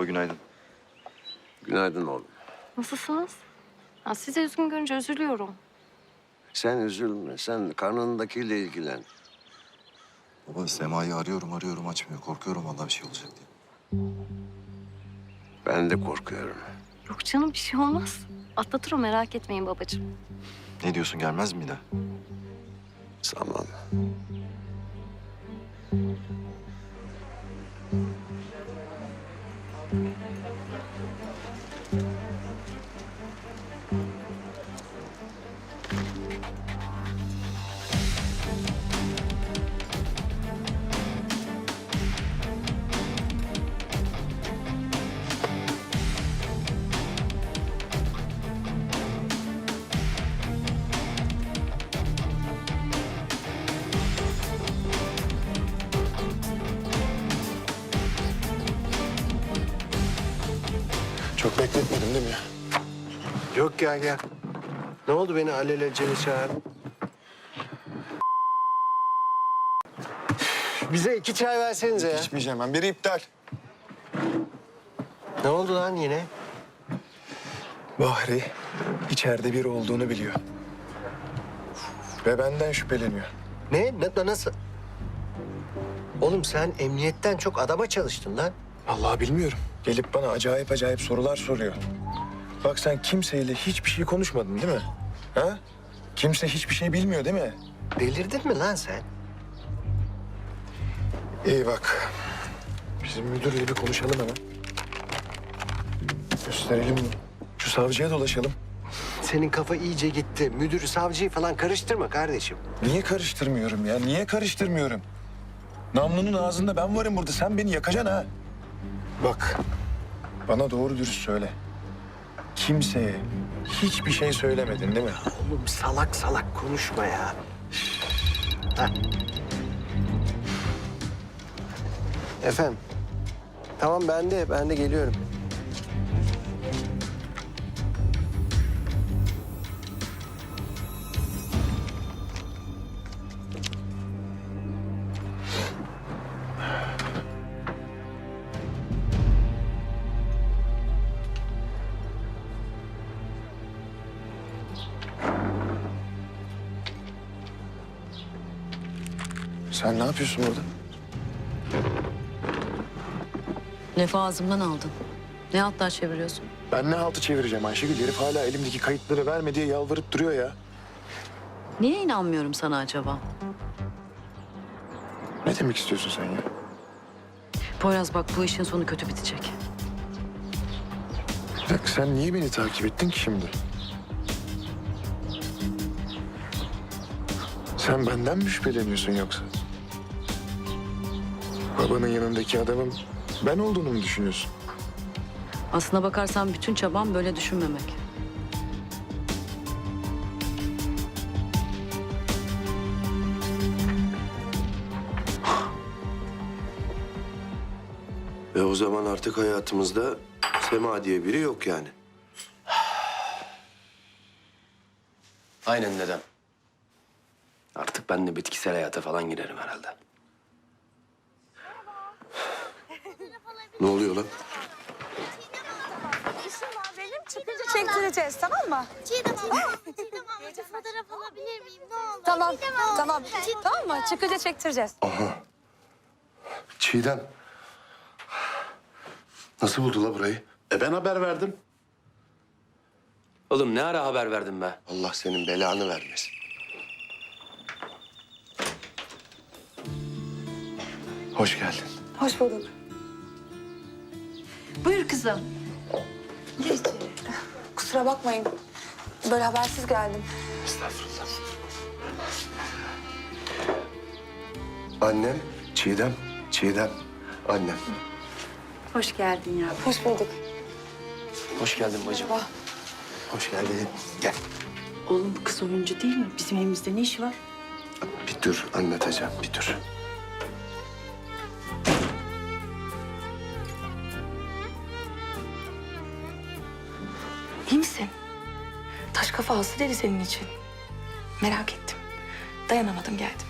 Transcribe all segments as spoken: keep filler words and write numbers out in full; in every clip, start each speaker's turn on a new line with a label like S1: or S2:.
S1: Baba günaydın.
S2: Günaydın oğlum.
S3: Nasılsınız? Ya sizi üzgün görünce üzülüyorum.
S2: Sen üzülme. Sen karnındakiyle ilgilen.
S1: Baba Sema'yı arıyorum arıyorum açmıyor. Korkuyorum vallahi bir şey olacak diye.
S2: Ben de korkuyorum.
S3: Yok canım bir şey olmaz. Atlatır o merak etmeyin babacığım.
S1: Ne diyorsun gelmez mi yine?
S2: Sanmam.
S4: Çok bekletmedim değil mi ya?
S2: Yok gel gel. Ne oldu beni alelacele çağırdın? Bize iki çay versenize ya.
S4: İçmeyeceğim ben. Biri iptal.
S2: Ne oldu lan yine?
S4: Bahri içeride biri olduğunu biliyor. Ve benden şüpheleniyor.
S2: Ne? Na- nasıl? Oğlum sen emniyetten çok adama çalıştın lan.
S4: Vallahi bilmiyorum. Gelip bana acayip acayip sorular soruyor. Bak sen kimseyle hiçbir şey konuşmadın değil mi? Ha? Kimse hiçbir şey bilmiyor değil mi?
S2: Delirdin mi lan sen?
S4: İyi bak. Bizim müdürle bir konuşalım hemen. Gösterelim mi? Şu savcıya dolaşalım.
S2: Senin kafa iyice gitti. Müdürü, savcıyı falan karıştırma kardeşim.
S4: Niye karıştırmıyorum ya? Niye karıştırmıyorum? Namlunun ağzında ben varım burada. Sen beni yakacaksın ha. Bak, bana doğru dürüst söyle. Kimseye hiçbir şey söylemedin değil mi?
S2: Oğlum salak salak konuşma ya. Heh. Efendim. Tamam ben de, ben de geliyorum.
S4: Sen ne yapıyorsun burada?
S5: Lafı ağzımdan aldın. Ne hatlar çeviriyorsun?
S4: Ben ne haltı çevireceğim Ayşegül? Herif hala elimdeki kayıtları verme diye yalvarıp duruyor ya.
S5: Niye inanmıyorum sana acaba?
S4: Ne demek istiyorsun sen ya?
S5: Poyraz bak bu işin sonu kötü bitecek.
S4: Bir dakika sen niye beni takip ettin ki şimdi? Sen benden mi şüpheleniyorsun yoksa? Babanın yanındaki adamın ben olduğunu mu düşünüyorsun?
S5: Aslına bakarsan bütün çabam böyle düşünmemek.
S6: Ve o zaman artık hayatımızda Sema diye biri yok yani. Aynen dedem. Artık ben de bitkisel hayata falan girerim herhalde. Ne oluyor lan?
S7: Benim çıkınca çektireceğiz, tamam mı?
S8: Çiğdem abla, Çiğdem ablacığım fotoğraf alabilir miyim? Ne olur.
S7: Tamam,
S8: Çiğdem abla.
S7: tamam.
S8: Çiğdem
S7: Tamam mı?
S8: abla.
S7: Çıkınca çektireceğiz.
S6: Aha. Çiğdem. Nasıl buldu la burayı?
S9: E ben haber verdim.
S6: Oğlum ne ara haber verdin be? Allah senin belanı vermesin.
S4: Hoş geldin.
S7: Hoş bulduk.
S5: Buyur kızım.
S7: Geç. Kusura bakmayın. Böyle habersiz geldim.
S4: Estağfurullah.
S6: Annem, Çiğdem, Çiğdem, annem.
S5: Hoş geldin ya.
S7: Hoş bulduk.
S6: Hoş geldin bacım.
S7: Merhaba.
S6: Hoş geldin. Gel.
S5: Oğlum bu kız oyuncu değil mi? Bizim evimizde ne işi var?
S6: Bir dur anlatacağım, bir dur.
S7: İyi misin? Taş kafa hasta dedi senin için. Merak ettim. Dayanamadım geldim.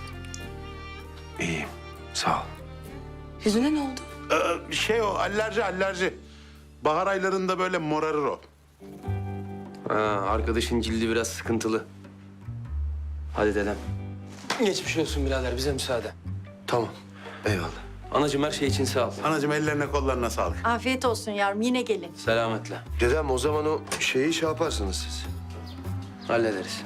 S6: İyiyim, sağ ol.
S7: Yüzüne ne oldu?
S9: Ee, şey o alerji alerji. Bahar aylarında böyle morarır o.
S6: Ha, arkadaşın cildi biraz sıkıntılı. Hadi dedem. Geçmiş olsun birader, bize müsaade.
S2: Tamam. Eyvallah.
S6: Anacığım her şey için sağ ol.
S9: Anacığım ellerine kollarına sağlık.
S5: Afiyet olsun yavrum, yine gelin.
S6: Selametle.
S2: Dedem o zaman o şeyi şey yaparsınız siz.
S6: Hallederiz.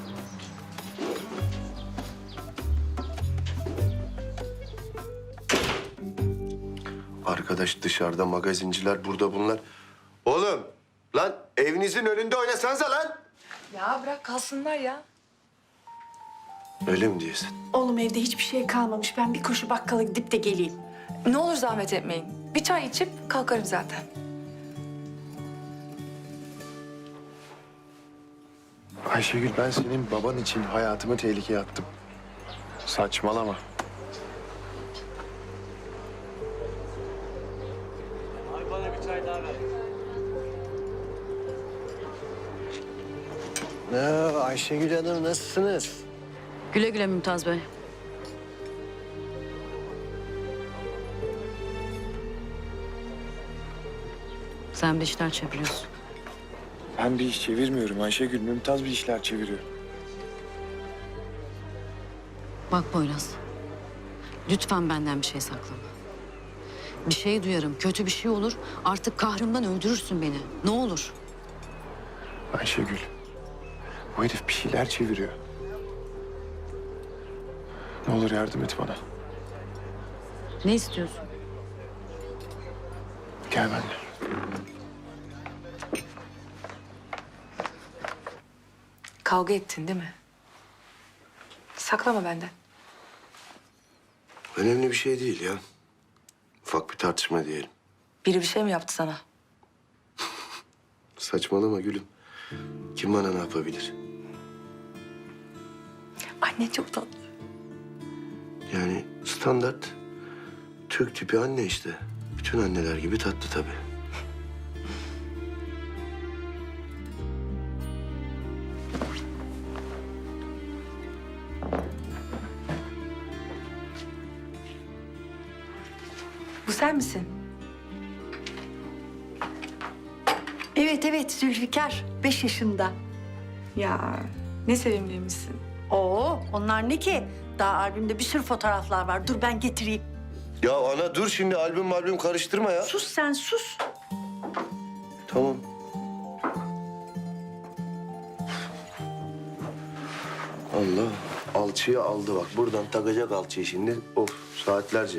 S2: Arkadaş dışarıda, magazinciler burada bunlar. Oğlum lan evinizin önünde oynasanıza lan.
S7: Ya bırak kalsınlar ya.
S2: Öyle mi diyorsun?
S10: Oğlum evde hiçbir şey kalmamış. Ben bir koşu bakkala gidip de geleyim.
S7: Ne olur zahmet etmeyin. Bir çay içip kalkarım zaten.
S4: Ayşegül, ben senin baban için hayatımı tehlikeye attım. Saçmalama.
S2: Ne Ayşegül Hanım nasılsınız?
S5: Güle güle Mümtaz Bey. Sen bir işler çeviriyorsun.
S4: Ben bir iş çevirmiyorum Ayşegül. Mümtaz bir işler çeviriyor.
S5: Bak Poyraz, lütfen benden bir şey saklama. Bir şey duyarım, kötü bir şey olur. Artık kahrımdan öldürürsün beni. Ne olur.
S4: Ayşegül, bu herif bir şeyler çeviriyor. Ne olur yardım et bana.
S5: Ne istiyorsun?
S4: Gel benimle.
S7: Kavga ettin değil mi? Saklama benden.
S2: Önemli bir şey değil ya. Ufak bir tartışma diyelim.
S7: Biri bir şey mi yaptı sana?
S2: Saçmalama gülüm. Kim bana ne yapabilir?
S7: Anne çok tatlı.
S2: Yani standart Türk tipi anne işte. Bütün anneler gibi tatlı tabii.
S7: Bu sen misin?
S10: Evet evet Zülfikar. Beş yaşında.
S7: Ya ne sevimliymişsin.
S10: Oo onlar ne ki? Daha albümde bir sürü fotoğraflar var. Dur ben getireyim.
S2: Ya ana dur şimdi albüm albüm karıştırma ya.
S10: Sus sen sus.
S2: Tamam. Allah alçıyı aldı bak. Buradan takacak alçıyı şimdi. Of saatlerce.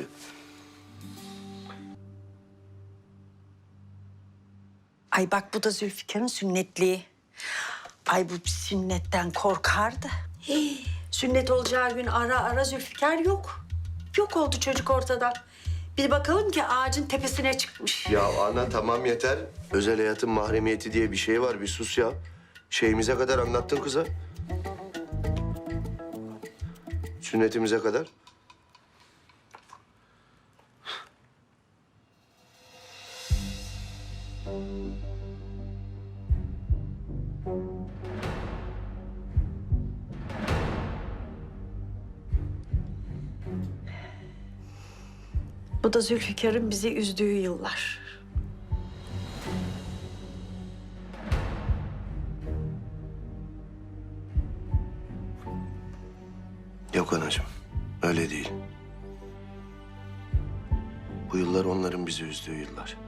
S10: Ay bak bu da Zülfikar'ın sünnetliği. Ay bu sünnetten korkardı. Hii, sünnet olacağı gün ara ara Zülfikar yok. Yok oldu çocuk ortadan. Bir bakalım ki ağacın tepesine çıkmış.
S2: Ya ana tamam yeter. Özel hayatın mahremiyeti diye bir şey var. Bir sus ya. Şeyimize kadar anlattın kıza. Sünnetimize kadar.
S10: Bu da Zülfikar'ın bizi üzdüğü yıllar.
S2: Yok anacığım. Öyle değil. Bu yıllar onların bizi üzdüğü yıllar.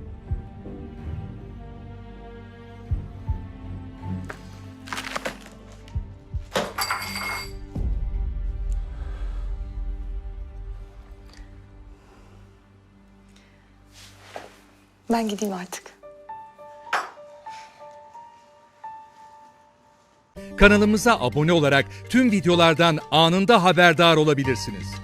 S7: Ben gideyim artık.
S11: Kanalımıza abone olarak tüm videolardan anında haberdar olabilirsiniz.